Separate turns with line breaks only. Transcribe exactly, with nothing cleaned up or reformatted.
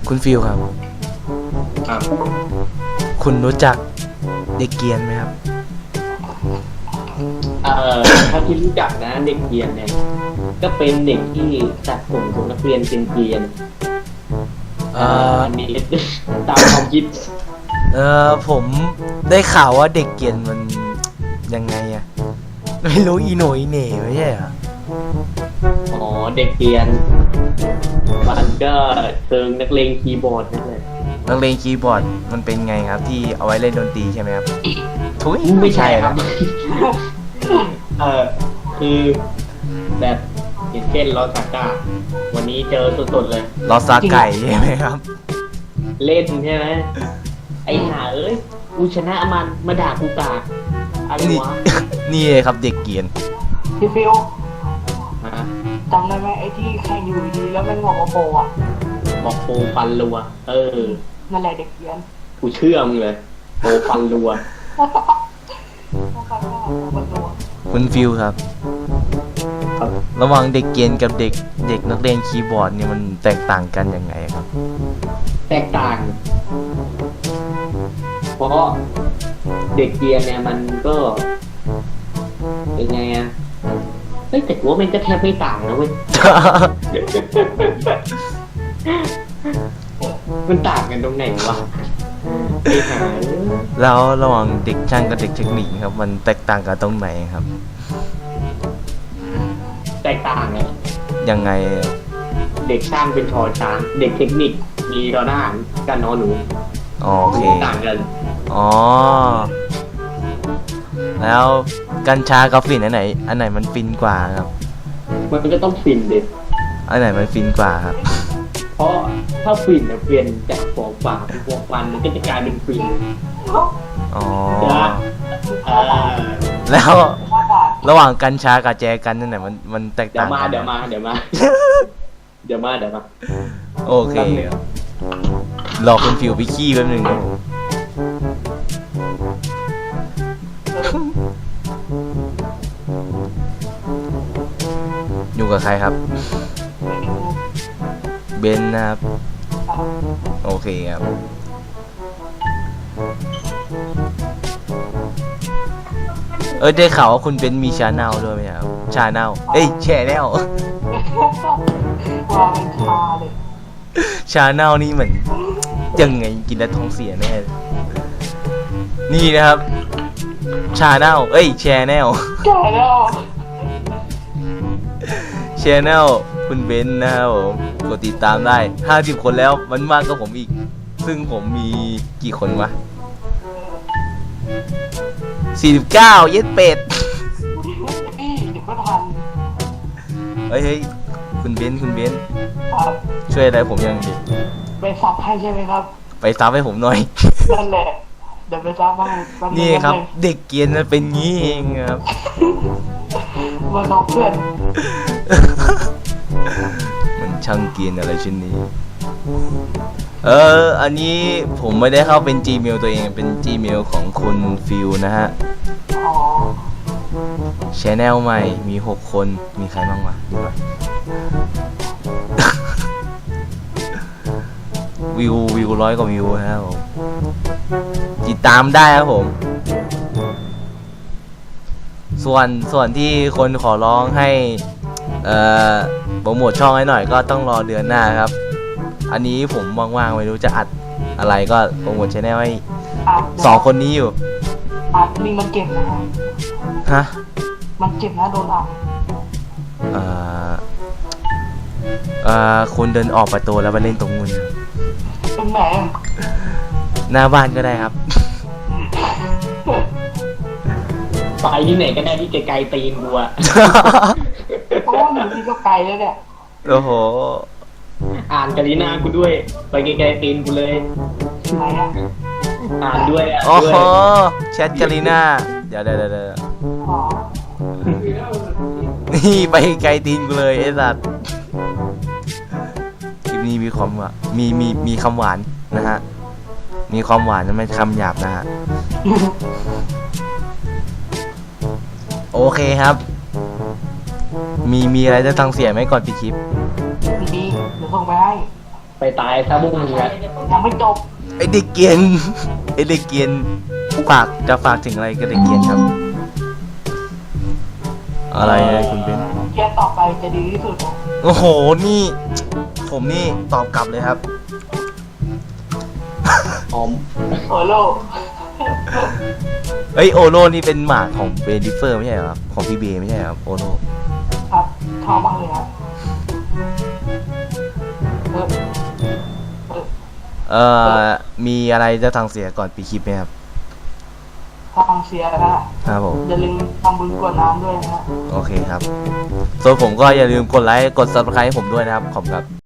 คุณฟิลครับ
ครับ
คุณรู้จักเด็กเกรียนไหมครับ
เอ่อถ้าที่รู้จักนะเด็กเกรียนเนี่ยก็เป็นเด็กที่ตัดผมของนักเรียนเป็นเกรียน
เอ่อ
อันนี้ตามความคิด
เออผมได้ข่าวว่าเด็กเกรียนมันยังไงอะไม่รู้อีโหนอีเหน่ไม่ใช่เหรอ
อ๋อเด็กเกรียนมันก็เชิงนักเลงคีย์บอร์ดนั่นแหละ
นักเลงคีย์บอร์ดมันเป็นไงครับที่เอาไว้เล่นดนตรีใช่ไหมครับทุย
ไม่ใช่ครับเออคือแบบอย่างเช่นลอซาก้าวันนี้เจอสดๆเลย
ลอซาไก่ใช่ไหมครับ
เล่นใช่ไหมไอ้ห่าเอ้ยกูชนะมันมาด่ากูกาอะไรวะ
นี่เลยครับเด็กเกรียน
พี่ฟิวจำได้ไหมไอ้ที่แข่งอยู่ดีแล้วมันบอกว่าโปอ่ะ
บอกโปฟันรัวเออ
นั่นแหละเด็กเกรียน
กูเชื่อมึงเลยโปฟันรัว
คุณฟิวครับระหว่างเด็กเกรียนกับเด็กเด็กนักเรียนคีย์บอร์ดนี่มันแตกต่างกันยังไงครับ
แตกต่างเพราะเด็กเกรียนเนี่ยมันก็เป็นไงอะเฮ้ยแต่ว่ามันก็แทบไม่ต่างนะเว้ย มันต่างกันตรงไหนวะ
แล้วระหว่างเด็กช่างกับเด็กเทคนิคครับมันแตกต่างกันตรงไหนครับ
แตกต่างไง
ยังไง
เด็กช่างเป็นชอช้างเด็กเทคนิคมีรอหน้ากันนอหนู
โอเค
ต่างกัน
อ๋อแล้วกัญชากับฝิ่นอันไหนอันไหนมันฟินกว่าครับ
มันก็ต้องฟินดิ
อันไหนมันฟินกว่าครับ
เพราะถ้าฟินเนี่ยเปลี่ยนจากฟองฝาเป็นฟองฟันมันก็จะกลายเป็นฟิน
อ๋อ
แล้ว
ระหว่างกัญชากับแจกันนั่นไหนมันมันแตกต่าง
เดี๋ยวมาเดี๋ยวมาเดี๋ยวมาเดี๋ยวมาเดี๋ยวมา
โอเครอคุณฟิวไปขี้แป๊บนึงอยู่กับใครครับเบนนะครับโอเคครับเออได้ข่าวว่าคุณเบนมีชาแนลด้วยไหมครับชาแนลเอ้ยแชแนลชาแนลนี่เหมือนยังไงกินแล้วท้องเสียแน่นี่นะครับชาแนลเอ้ยแชแนล
ชาแนล
แชแนลคุณเบนนะครับผมกดติดตามได้ห้าสิบคนแล้วมันมากกว่าผมอีกซึ่งผมมีกี่คนวะสี่สิบเก้าเย็ดเป็ดเฮ้ยเฮ้ยคุณเบนคุณเบนช่วยอะไรผมยังดิ
ไปซับให้ใช่ไหมครับ
ไปซับให้ผมหน่อย
นั่นแหละเดี๋ยวไปซับให้
นี่ครับเด็กเกรียนมันเป็นงี้เองครับ
มาน้องเพื่อน
มันช่างเกรียนอะไรชิ้นนี้เอออันนี้ผมไม่ได้เข้าเป็น Gmail ตัวเองเป็น Gmail ของคุณฟิวนะฮะ
อ๋อ
Channel ใหม่มีหกคนมีใครบ้างวะดูหน่อยวิววิวร้อยกว่าวิวนะครับผมติดตามได้ครับผมส่วนส่วนที่คนขอร้องให้เอ่อโปรโมทช่องให้หน่อยก็ต้องรอเดือนหน้าครับอันนี้ผมว่างๆไม่รู้จะอัดอะไรก็โปรโมทช่องให้สองคนนี้อยู่
อัดนี่มันเก็บนะ
ฮะ
มันเก็บนะโดนอัด
เอ่อเอ่อคุณเดินออกประตูแล้วไปเล่นตรงนู้น
ตรงไหน
หน้าบ้านก็ได้ครับ
ไปที่ไหนก็ได้ที่ไกลๆตีนกูอะ
โอ้หนูที่ก็ไกลแล้วเนี่ย
โอ้โห
อ่านกาลิน่ากูด้วยไปไกลๆตีนกูเลย
ไหนอะ
อ่านด้วยอ่ะ
โอ้โหแชทกาลิน่าเดี๋ยวเดี๋ยวเดี๋ยวนี่ไปไกลตีนกูเลยไอ้สัตว์คลิปนี้มีความว่ามีมีมีคำหวานนะฮะมีความหวานไม่คำหยาบนะฮะโอเคครับมีมีอะไรจะตั้งเสียไหมก่อนปิดคลิป
มีเดี๋ยวส่งไปให้
ไปตายซะพวกมึงอะ
ยังไม่จบ
ไอเด็กเกรียน ไอเด็กเกรียนฝากจะฝากถึงอะไรกับเด็กเกรียนครับ อะไรนะคุณเบน
เกียร์ต่อไปจะดีที่สุด
โอ้โหนี่ ผมนี่ตอบกลับเลยครับ
ออม
โอโล
เอ้ยโอโลนี่เป็นหมาของเบนดิเฟอร์ไม่ใช่เหรอครับของพี่เบไม่ใช่เหรอครับโอโล
ครับชอบมากเลยครับเออเออ
เอ่อมีอะไรจะทางเสียก่อนปีคลิปไหมครับ
ฟังเสียนะฮะ
ครับผม
อย่าลืมทำบุญกรวดน้ำด้วยนะฮะ
โอเคครับ ส่วนผมก็อย่าลืมกดไลค์ กด ซับสไครบ์ ให้ผมด้วยนะครับ ขอบคุณครับ